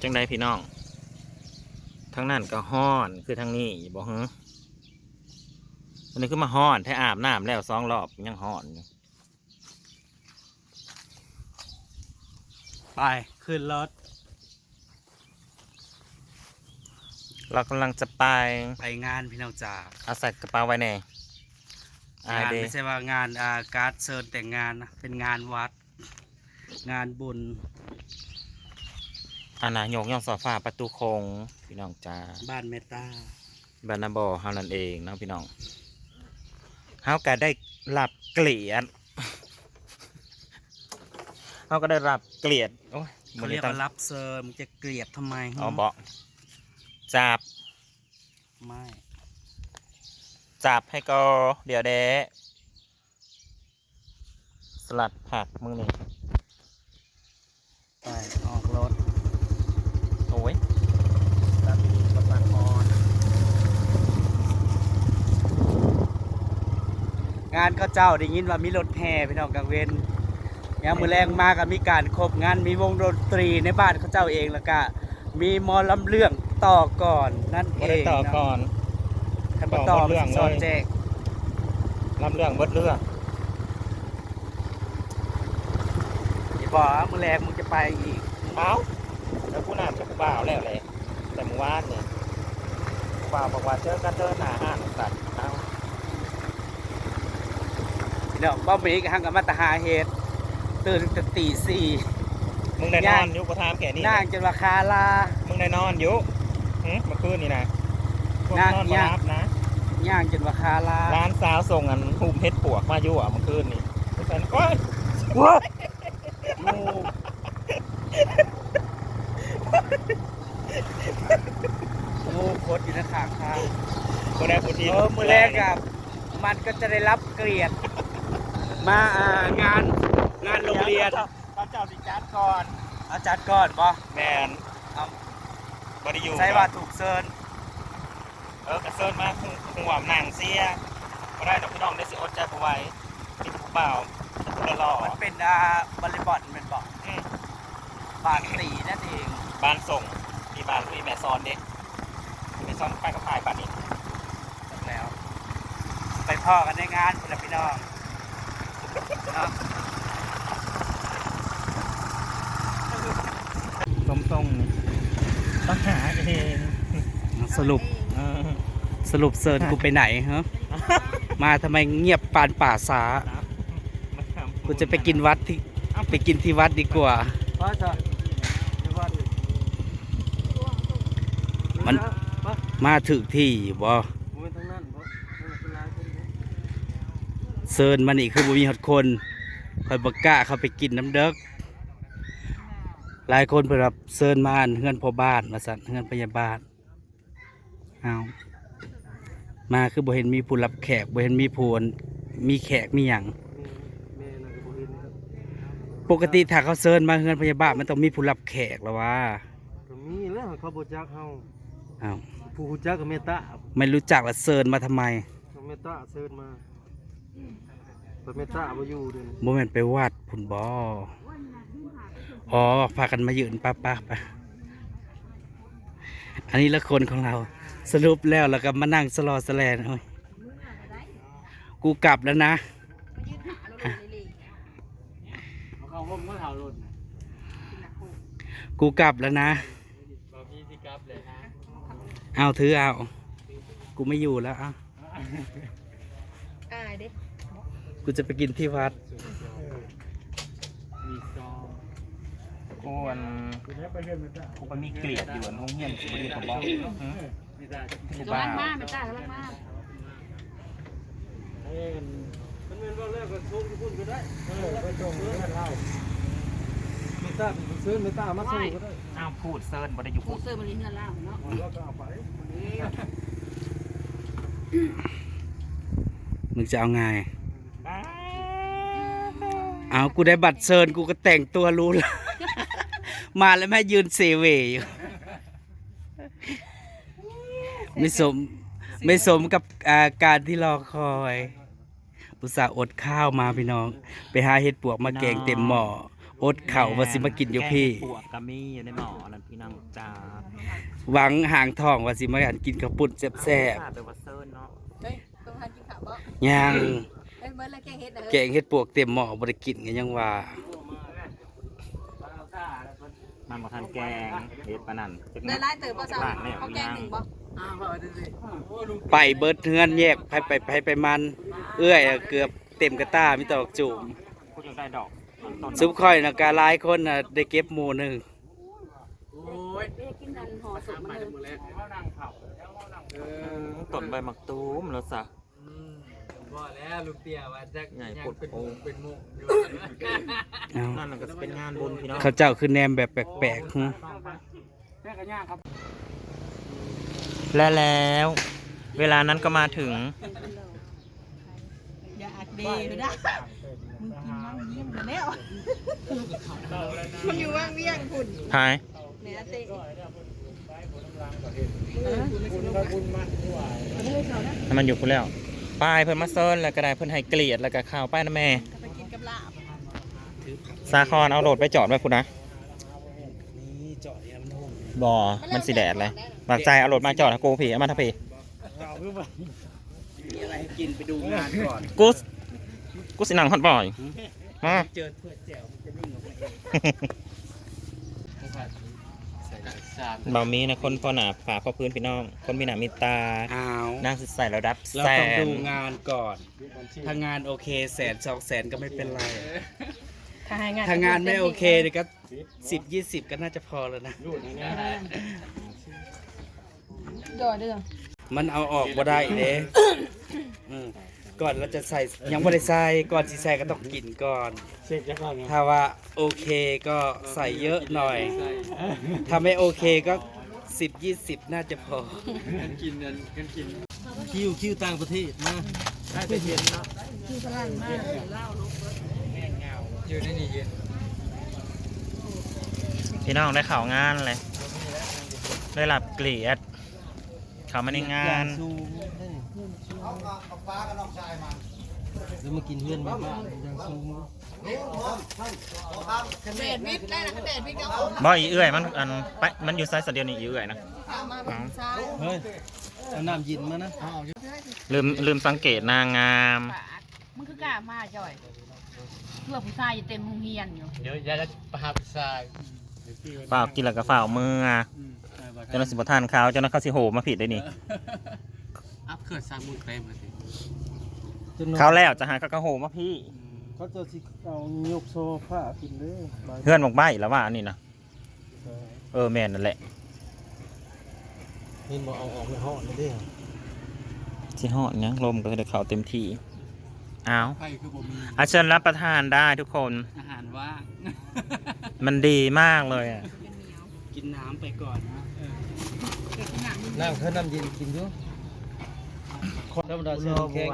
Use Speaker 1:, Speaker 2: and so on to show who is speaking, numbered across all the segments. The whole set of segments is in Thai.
Speaker 1: จังใดพี่น้องทั้งนั้นก็ฮ้อนคือทั้งนี้บอกฮะอันนี้คือมาฮ้อนแท้อาบน้ำแล้ว2 รอบยังฮ้อนอยู่
Speaker 2: ไปขึ้นรถ
Speaker 1: เรากำลังจะไป
Speaker 2: งานพี่น้องจ๋า
Speaker 1: เอาใส่กระเป๋าไว้แน่
Speaker 2: งานไม่ใช่ว่างานการ์ดเชิญแต่งงานนะเป็นงานวัดงานบุญ
Speaker 1: อาณาโยกย่องสอฟ้าประตูโคงพี่น้องจ้า
Speaker 2: บ้านเมตตา
Speaker 1: บานาบอเฮานั่นเองเนาะพี่น้องเฮาก็ได้รับเกลียดเฮาก็ได้รับเกลียดโอ้ย
Speaker 2: เขาเรียกว่ารับเชิญมึงจะเกลียดทำไม
Speaker 1: อ๋อบอกจับ
Speaker 2: ไม่
Speaker 1: จับให้ก็เดี๋ยวเด้สลัดผักมึงนี่
Speaker 2: ไปออกรถ
Speaker 1: โอ้ยตัดกระปังมอน
Speaker 2: งานเขาเจ้าได้ยินว่ามีรถแห่พี่น้องกลางเว้นยามมื้อแรงมาก็มีการครบงานมีวงดนตรีในบ้านเขาเจ้าเองแล้วก็มีหมอลำเรื่องต่อก่อนนั่นเอง
Speaker 1: ต่อก่อน
Speaker 2: ท่านต่อเรื่องเลยแจก
Speaker 1: ลำเรื่องเบิดเรื่อง
Speaker 2: อย่าบอกว่ามื้อแรงมึงจะไปอีก
Speaker 1: เอ้าแล้วกูน่าจะบ่าวแล้วแหละแต่เมื่อวานเนี่ยบ่าวบอกว่าเจอกันเดินหน้าห้างสัตว์เอ้า
Speaker 2: เดี๋ยวบ่มีกหังกับมาตหาเหตุตื่นแต่ตี 4
Speaker 1: มึงได้นอนอยู่กูถามแกนี่
Speaker 2: นั่งจนราคาลา
Speaker 1: มึงได้นอนอยู่เมื่อคืนนี่นะ
Speaker 2: นั่ง
Speaker 1: นอนมารับนะ
Speaker 2: ย่างจนราคาลา
Speaker 1: ร้านสาวส่งอันหุบเฮ็ดปวกมาอยู่เมื่อคืนนี่แฟนก็
Speaker 2: ว้างูโคตรอยู่ในขางทาง
Speaker 1: คนได้คนที่
Speaker 2: มือแรกกับมันก็จะได้รับเกลียดมางานโรงเรียน
Speaker 1: เขาเจ้าสิจัดก่อน
Speaker 2: เอาจัดก่อนป่ะ
Speaker 1: แมน
Speaker 2: เอา
Speaker 1: บริยู
Speaker 2: ใช่ว่าถูกเซิร์น
Speaker 1: กระเซิร์นมาหัวหนังเสียก็ได้ดอกพี่น้องได้สิอดใจเอาไว้ติดผู้เปล่าจะรอ
Speaker 2: มันเป็นบริบอลเป็นบอกบานตีนั่นเอง
Speaker 1: บ้านส่งมีบ้านลุยแม่ซอนเด็กแม่ซอนไปกับพายบ้านนี้
Speaker 2: แล้วไปพ่อกันในงานพี่น้อง
Speaker 1: ตรงนี่ต้องหาเอง
Speaker 2: สรุปเซิร์นกูไปไหนฮะมาทำไมเงียบปานป่าสากูจะไปกินวัดที่วัดดีกว่ามันมาถึงที่บ่เซิร์นมันอีกคือบ่มีฮอดคนคอยบักกะเขาไปกินน้ำเด็กหลายคนเพื่อรับเซิร์นมาเฮือนพ่อบ้านมาสั่นเฮือนพยาบาลเอามาคือบ่เห็นมีผู้รับแขกบ่เห็นมีผู้มีแขกมีหยังปกติถ้าเขาเซิร์นมาเฮือนพยาบาลมันต้องมีผู้รับแขกแล้วว่า
Speaker 3: มีแล้วเขาบ่จักเฮา
Speaker 2: อ้าว
Speaker 3: ผู้รู้จักก็เมตตา
Speaker 2: ไม่รู้จักแล้วเซิร์นมาทำไม
Speaker 3: เมตตาเซิร์นมาเมตตาบ่อยู่เด้อ
Speaker 2: บ่แม่นไปวัดพุ่นบ่อ๋อพากันมายืนป้าไปอันนี้ละคนของเราสรุปแล้วก็มานั่งสลอสแลนเฮ้ยกูกลับแล้วนะกูกลับแล้วนะเอาถือเอากูไม่อยู่แล้วอ่ะกูจะไปกินที่วัด
Speaker 1: กูไปมีเกลียดอยู่ห้องเงียบกูไม่ได้ผมบอก
Speaker 4: กำลังมาไม่กล้ากำลังมา
Speaker 3: มันเป็นว่าแรกก็ชมทุกคนก็ได้ไปชมเพื่อนเราเมตตาเป็นเซิร์นเมตตามาสู้ก็ได้
Speaker 1: อ้าวพูดเซิร์นบ่ได้อยู่พูด
Speaker 4: เซิร์นมันลิ้นเงินล่างเนาะ
Speaker 3: เราก็เอาไป
Speaker 2: มึงจะเอาไงเอากูได้บัตรเซิร์นกูก็แต่งตัวรู้แล้วมาแล้วแม่ยืนเซเวอยู่ไม่สมกับการที่รอคอยอุตส่าห์อดข้าวมาพี่น้องไปหาเห็ดปวกมาแกงเต็มหม้ออดเข่าว่าสิมากินอยู่พี่
Speaker 1: แกงเห็ดปวกกะมีอยู่ในหม้อนั่นพี่น้องจ้า
Speaker 2: หวังห่างทองว่าสิมากินข้าวปุ้นแซ่บ
Speaker 1: ไปวัดเซิร์นเนาะ
Speaker 4: เฮ้ยต้องทานกินข้าวบ่
Speaker 2: ๆย่าง
Speaker 4: เฮ้ยเมื่อไรแกงเฮ็ดนะ
Speaker 2: แกงเฮ็ดปวกเต็มหม้อบ่ได้กินกันยังว่า
Speaker 1: มันบ่ทันแกงเฮ็ดปานนั้น
Speaker 4: ได้ไล่เติบบ่เจ้าเขาแกงหนึ่งบ่
Speaker 2: ไปเบิดเฮือนแยกไปมัน เอื้อยอะเกือบเต็มกระต้ามีแตอกจุ่ม
Speaker 1: พูดจังได้ดอกต้น
Speaker 2: ซุปค่อยน่ะกะหลายคนน่ะได้เก็บหมู่หนึง
Speaker 4: เอ๊ะกินนันห่อสุกมันเลย
Speaker 1: ต้นใบมักตูมแล้วซะ
Speaker 3: ว่าแล้วลูกเตี้ยว่าจะ
Speaker 1: ใหญ่
Speaker 3: ยัง
Speaker 1: ปวด
Speaker 3: เป็น
Speaker 1: โอ้
Speaker 3: เป็นมุกอยู่
Speaker 2: เอ้า
Speaker 1: นั่นก็จะเป็นงานบุญพี่น้อง
Speaker 2: เขาเจ้าคือแนมแบบแปลกๆหึ
Speaker 1: และแล้ว เวลานั้นก็มาถึง
Speaker 4: อย่าอักดีเลยนะมึงกินน้ำเยี่ยมแล้วมันอยู่ว่างเวียงคุณ
Speaker 1: พาย
Speaker 4: แม่เตะ
Speaker 1: ให้มันอยู่คุณแล้วป้ายเพิ่นมาเซิร์นแล้วก็ได้เพิ่นให้เกลียดแล้วก็ข้าวป้ายนะแม่
Speaker 4: ไปกินกับลาบ
Speaker 1: สาคอนเอาโหลดไปจอดไว้คุณนะ
Speaker 2: นี่เจาะเนี่ยมันโหม
Speaker 1: บ่มันสิแดดเลยบากใจเอาโหลดมาจอดนะกูผีเอามาทะพี
Speaker 2: มีอะไรให้กินไปดูงานก่อน
Speaker 1: กูสิหนังฮอตบ่อยมา
Speaker 2: เจอเพื่อแจ๋วมันจะนิ่งออกไป
Speaker 1: เบามีนะคนพอหนาฝาพอพื้นพี่น้อง คนมีหนามีตา
Speaker 2: อ้าว
Speaker 1: นั่งใส่ระดับ
Speaker 2: เรา
Speaker 1: แส
Speaker 2: ต้อง
Speaker 1: น
Speaker 2: ดูงานก่อน ถ้างานโอเค100,000-200,000ก็ไม่เป็นไร ถ้างานไม่โอเคเดี๋ยวก็10-20ก็น่าจะพอแล้วนะ
Speaker 4: จ่อเด้อ
Speaker 2: มันเอาออกบ่ได้เด้อืมก่อนเราจะใส่ยังไม่ได้ใส่ก่อนสิใส่ก็ต้องกินก่อน
Speaker 3: เสร็จแล้วก็
Speaker 2: ถ้าว่าโอเคก็ใส่เยอะหน่อย ถ้าไม่โอเคก็10-20น่าจะพอ
Speaker 3: กันกินกันกินคิวต่างประเทศมาได้ไปเย็นเนาะ
Speaker 4: คือพลังมากเล่าลูก
Speaker 3: อยู่ในนี่เย็น
Speaker 1: พี่น้องได้ข่าวงานเลยได้รับเกลียดเขามาในงาน
Speaker 3: ซูมแล้วมากินเพื่อนบ้านยังซูม
Speaker 4: เดดวิทย์ได้นะเดดวิทย์ก็
Speaker 1: บ่อีเอื่อยมันไปมันอยู่ไซส์เดียวนี่อีเอื่อยนะ
Speaker 4: มาแบบซ้าย
Speaker 3: เฮ้ยเอาน้ำยินมานะ
Speaker 1: ลืมสังเกตนางงาม
Speaker 4: ปากมันคือกล้ามาจ่อยเพื่อผู้ชายอยู่เต็มโรงเรียนอยู่
Speaker 3: เดี๋ยวยายจะประหารทราย
Speaker 1: ฝ่าวกินแล้วก็ฝ่าวมือเจ้าหน้าที่บทานเขาเจ้าหน้าเขาสิโหมาผิดได้นี่
Speaker 3: อัพเกิดสร้างมือเต็มเลยสิ
Speaker 1: เขาแล้วจะหาเขาก็โหมาพี่
Speaker 3: เขาจะสิเอายกโซฟากินเลย
Speaker 1: เพื่อนบอกใบ้แล้วว่าอันนี้นะแม่นนั่นแหละ
Speaker 3: นี่มาเอาออกไปห่อเลยดิ
Speaker 1: ที่หอดเนี้ยลมก็จะเขาเต็มที่อ้าว
Speaker 3: ไข่คือบ่มี
Speaker 1: อาเชิญรับประทานได้ทุกคน
Speaker 3: อาหารว่าง
Speaker 1: มันดีมากเลยอ่ะ
Speaker 2: กินน้ำไปก่อนนะ
Speaker 3: น้ำเขาน้ำเย็นกินด้วยธรรมดาเสื้อแข็ง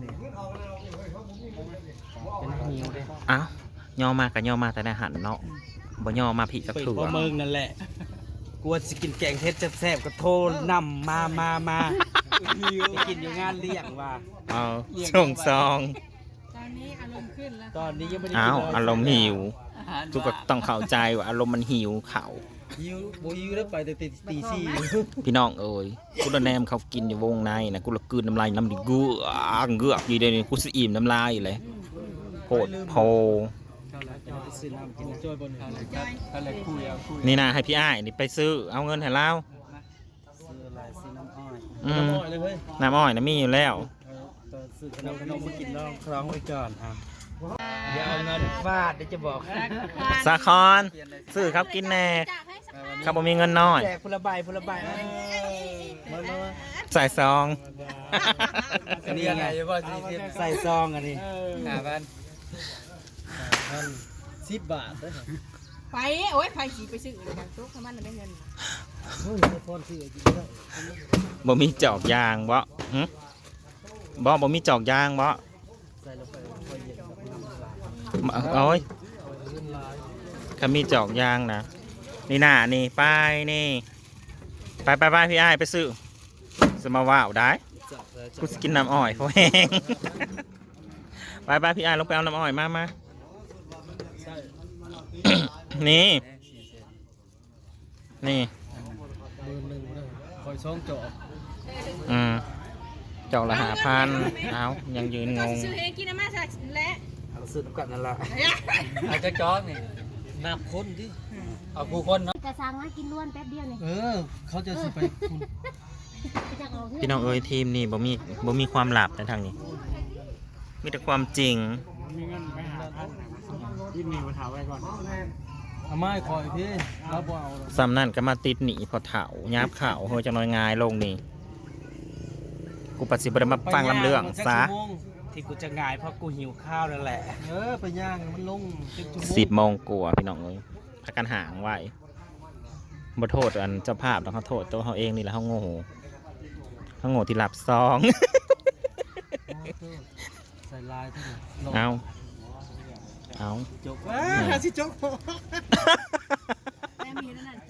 Speaker 3: เป็นหิวเลย
Speaker 1: อ้าวย่อมากกับย่อมาแต่ในอาหารเนาะบ่ย่อมาผิดกับ
Speaker 2: เปิด
Speaker 1: ถือ
Speaker 2: พ่อเมืองนั่นแหละกลัวสิกินแกงเฮ็ดแซ่บๆก็โทรนำมาไปกินอยู่งานเลี้ยงว่า
Speaker 1: เอาส่งซอง
Speaker 4: ตอนนี้อารมณ์ขึ้นแล้ว
Speaker 2: ตอนนี้ยังไม่ได้
Speaker 1: อ้าว
Speaker 2: กินเลย
Speaker 1: อารมณ์หิวทุกคนต้องเข้าใจว่าอารมณ์มันหิวเขา
Speaker 3: หิวบ่หิวแล้วไปแต่ตีสี่
Speaker 1: พี่น้องเอ้ยกูละแนมเขากินอยู่วงในนะกูละกลืนน้ำลายน้ำดิเงือกอยู่เดี๋ยวนี้กูสิอิ่มน้ำลายอยู่เลยโคตรโพ
Speaker 2: ซื้อน้ำกินนะ
Speaker 3: จอยบนเขาเลยคุยเอาคุย
Speaker 1: นี่นะให้พี่อ้ายนี่ไปซื้อเอาเงินให้เรา
Speaker 2: ซื้ออะไรซื้อน้ำอ้อย
Speaker 1: อืม
Speaker 3: น้ำอ้อยเลยเฮ้ย
Speaker 1: น้ำอ้อยนะมีอยู่แล้ว
Speaker 2: ซื้อขนมมากินลองคล้องไว้ก่อนอ่ะเดี๋ยวเอาเงินฟาดเดี๋ยวจะบอก
Speaker 1: สาคอนซื้อเขากินแน่เขาบ่มีเงินน้อย
Speaker 2: แจกพลใบพลใบนะ
Speaker 3: มา
Speaker 1: ใส่ซอง
Speaker 3: อันนี้อะไรว่าสิ
Speaker 2: ใส่ซองอันนี้
Speaker 3: 10 บาทเด้อ
Speaker 4: ไปโอ้ยไปสีไปซื้อเลยกันทุกมันได้เงิน
Speaker 3: โอ้ยพรซื้อกินได้
Speaker 1: บ่มีจอกยางบ่หึบ่มีจอกยางบ่
Speaker 3: ใส่ลงไปค่อยเย็นกับน้ำลาย
Speaker 1: โอ้ย
Speaker 3: เงินลาย
Speaker 1: เขามีจอกยางนะนี่น่ะนี่ป้ายนี่ไปพี่อ้ายไปซื้อสมาว่าวได้กูสกินน้ำอ้อยเพราะแห้ง ไปพี่อ้ายลงไปเอาน้ำอ้อยมานี่ นี่
Speaker 3: หมื่นหนึ่งเลยคอยช่องจอบ
Speaker 1: เจ้าละ5,000เอายังยืนงง
Speaker 4: ซื้อเองกินน้ำมาสักและ
Speaker 2: เอาซื้อน้ำกันนั่นละ
Speaker 3: อาจจะจอกนี่นับคนดิเอาผู้คนเนาะ
Speaker 5: จะสั่งมากินล้วนแป๊บเดียวนี่
Speaker 3: เขาจะสิไปคุณ
Speaker 5: จะเอาเพื่
Speaker 1: พี่น้องเอ้ยทีมนี่บ่มีความลับในทางนี้ มีแต่ความจริง
Speaker 3: เอาไม้คอยพี่รับเอา
Speaker 1: ซ้ำนั่นก็มาติดหนีพอเถายับข่าวเฮ้ยจังน้อยงายลงนี่ กูปัดสิบได้มาฟังลำเรื่องซะ
Speaker 2: ที่กูจะง่ายเพราะกูหิวข้าวนั่นแหละ
Speaker 3: ไปย่างมันลง10 ชั่วโมง
Speaker 1: 10 โมงกว่าพี่น้องเอ้ยพักกันห่างไว้บ่โทษอันเจ้าภาพต้องเขาโทษตัวเขาเองนี่แหละเขาโง่ที่หลับซอง
Speaker 3: ใส่ลายที่
Speaker 1: เอา
Speaker 3: จกหาสิจก
Speaker 4: แม่มีนั่นใจ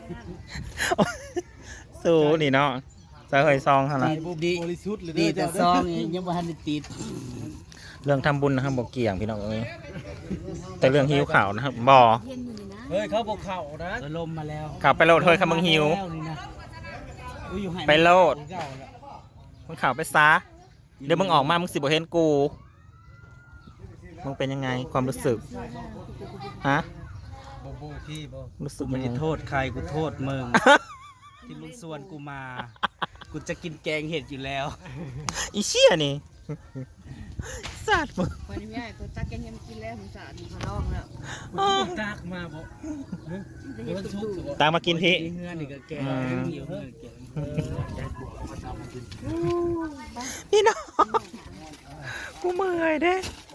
Speaker 1: สู้นี่เนาะจะเคยซองเท่านั้น
Speaker 3: บริสุทธิ์เลย
Speaker 2: ดีแต่ซองนี่ยังบ่ทันได้ติด
Speaker 1: เรื่องทำบุญนะครับบอกเกี่ยงพี่น้องเอ้ยแต่เรื่องหิวข่าวนะครับบ่
Speaker 4: เย็นอยู่นี่นะ
Speaker 3: เฮ้ยเขาบอกเข่านะ
Speaker 2: ลมมาแล้ว
Speaker 1: ข่าวไปโลดเฮ้ยคำมึงหิว
Speaker 2: แล้วนี่นะอุ้ยอยู่ให้
Speaker 1: ไปโลด
Speaker 3: เก่าแล้ว
Speaker 1: มึงข่าวไปซะเดี๋ยวมึงออกมามึงสิบ่เห็นกูมึงเป็นยังไงความรู้สึกฮะ
Speaker 3: โบพี่บ่
Speaker 1: รู้สึ
Speaker 2: กู
Speaker 1: ก
Speaker 2: ไม่
Speaker 1: ยังไง
Speaker 2: ได้โทษใครกูโทษมึง ที่มึงชวนกูมา กูจะกินแกงเห็ดอยู่แล้ว
Speaker 1: อีเชี่ยนี่สัตว์มึง
Speaker 4: วันนี้แม่กูตักแกงเห็ดกินแล้วผมสาดขอร้องแล้ว
Speaker 3: ตากมาบ่
Speaker 4: จะเห็นตุ่ม
Speaker 1: ตามมากินพี่
Speaker 2: เฮือนนี่ก็แกงอยู่เฮือนแกง
Speaker 1: พี่น้องกูเมื่อยเด้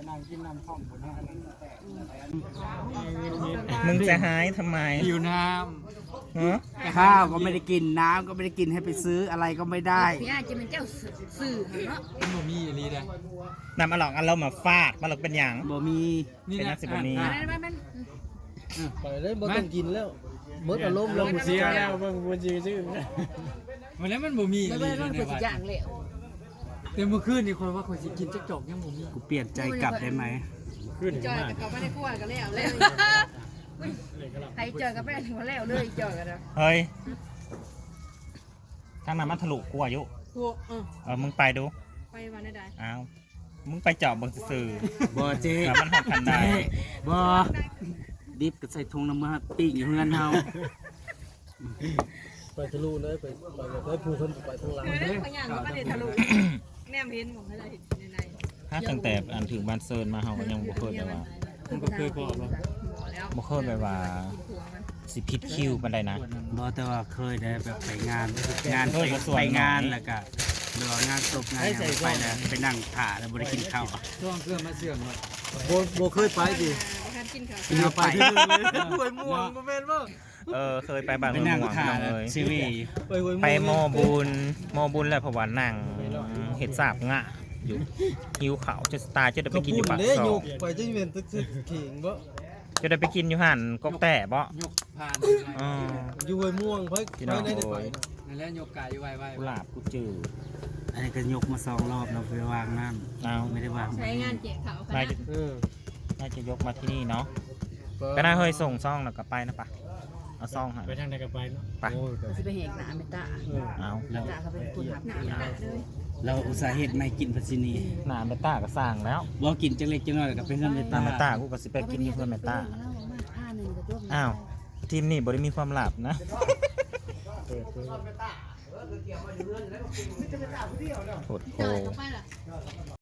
Speaker 1: มึงจะหายทำไม
Speaker 3: หิวน้
Speaker 1: ฮะ
Speaker 2: ข้าวก็ไม่ได้กินน้ำก็ไม่ได้กินให้ไปซื้ออะไรก็ไม่ได้
Speaker 4: พี่อาจะเป็นเจ้าสื่อเนาะ
Speaker 3: ำมันบ่มีอะไรเลย
Speaker 1: นำอลองอันเรามาฟาดมาหลอกเป็นหยัง
Speaker 2: บ่มี
Speaker 3: นี่
Speaker 1: เป็น
Speaker 3: นะ
Speaker 1: นักสิบวันนี้
Speaker 4: มัน
Speaker 3: ไปเลยบ่ต้องกินแล้วเบิดอารมณ์แล้วเสียแล้วเบิ่งบ่ชื่อมันแล้วมันบ่มี
Speaker 4: มัน
Speaker 3: อะไร
Speaker 4: มัน
Speaker 3: ใน
Speaker 4: เป็น
Speaker 3: วัด
Speaker 4: อย่างเหลว
Speaker 3: แต่เมื่อคืนนี่คนว่าคนสิกินจักจอกยังบ่มี
Speaker 2: กูเปลี่ยนใจกลับได้ไหม
Speaker 3: ขึ้น
Speaker 4: จอยกับเขาไม่ได้กลัวกันแล้วเลยใครจอยกับแม่ถึงแล้วเลยจอยกันนะ
Speaker 1: เฮ้ยทางนั้นมันทะลุกูอายุ
Speaker 4: พวก
Speaker 1: มึงไปดู
Speaker 4: ไปวันไหนได้
Speaker 1: อ้าวมึงไปเจาะเบิ่งซื่อ
Speaker 2: บ่เจ๊
Speaker 1: ๆแล้วมันหอดกันได้
Speaker 2: บ่ดิบก็ใส่ถุงน้ำมันปิ้งอยู่เฮือนเฮา
Speaker 3: ไปทะลุเลยไปผู้คนไปทางหลัง
Speaker 4: เออพยานก็ไม่ได้ทะลุแนมเห็นของอะไรใน
Speaker 1: ถ้าตั้งแต่อันถึงบ้านเซิร์นมาเฮาก็ยังบ่เคยแบบว่า
Speaker 3: มันก็เคยพอบ่
Speaker 4: แล้ว
Speaker 1: บ่เคยแบบว่าสิผิดคิวปานใดนะ
Speaker 2: บ่แต่ว่าเคยได้แบบไปงานไป
Speaker 1: ส่วน
Speaker 2: ไป
Speaker 1: น้อย
Speaker 2: งานแล้วก็เดี๋ยวงานศพงานหยังไปแล้วไปนั่งถ่าแล้วบ่ได้กินข้าว
Speaker 3: ช่วงเครื่องมาเสื่อมว่าบ่เคยไปดิ
Speaker 4: ทานกินข้าว
Speaker 2: เดี๋ยวไป
Speaker 3: หวยม่วงบ่แม่นบ่
Speaker 1: เคยไปบ้าน
Speaker 2: ไป
Speaker 1: เมือง
Speaker 2: นั่ง
Speaker 1: ม่วง
Speaker 2: ถ่า
Speaker 1: น้องเอ้ย
Speaker 2: ซีรีส์
Speaker 3: ไปหวยม่วง
Speaker 1: ไปโมบุญแล้วเพราะว่านั่งเฮ็ดสาบงะอยู่หิวข้าวจะตายจะได้ไป
Speaker 3: ก็
Speaker 1: กินอ
Speaker 3: พูด
Speaker 1: ยู่ปาก
Speaker 3: เด้
Speaker 1: ซอย
Speaker 3: กไปจะเป็นตึกขิงบ่
Speaker 1: จะได้ไปกินอยู่หั่นกกแต่บ่
Speaker 3: ยกผ่าน
Speaker 1: อ๋อ
Speaker 3: อยู่หวยม่วงเพิ่น
Speaker 1: พี่น้อง
Speaker 3: ได้ไป
Speaker 1: โอ้ย
Speaker 3: นั่นแหละยกไก่ไว้
Speaker 1: กุหลาบกูจืด
Speaker 2: อันนี้ก็ยกมา2รอบเราไปวางน้
Speaker 1: เอา
Speaker 2: ำไม่ได้วาง
Speaker 4: ใช้งานเจ๊เขาค
Speaker 1: น่า
Speaker 4: ณะ
Speaker 1: จะ
Speaker 3: ๆ
Speaker 1: น่าจะยกมาที่นี่เนาะก็น่าเฮ้ยส่งซ่องแล้วก็ไปนะปะเอาซ่องหา
Speaker 3: ไปทางใดก็ไปเนาะ
Speaker 1: ไป
Speaker 3: โอ้ย
Speaker 4: จะไปเหกหนาเมตา
Speaker 1: เอา
Speaker 4: ตาเขาเป็นคนหักหนาเลย
Speaker 2: เราอุตส่าห์เฮ็ดไม่กินพัชนี
Speaker 1: หนาเมตาก็สร้างแล้ว
Speaker 2: บ่กินจังเล็กจังน้อยแล้วก็ไปเฮือนไป
Speaker 1: หนา
Speaker 2: ตาม
Speaker 1: เมตากูก็สิไปกินอยู่เพื่อนเมตาอ้าวทีมนี่บ่ได้มีความลับนะโหดโห
Speaker 4: จอยเข้าไปล่ะ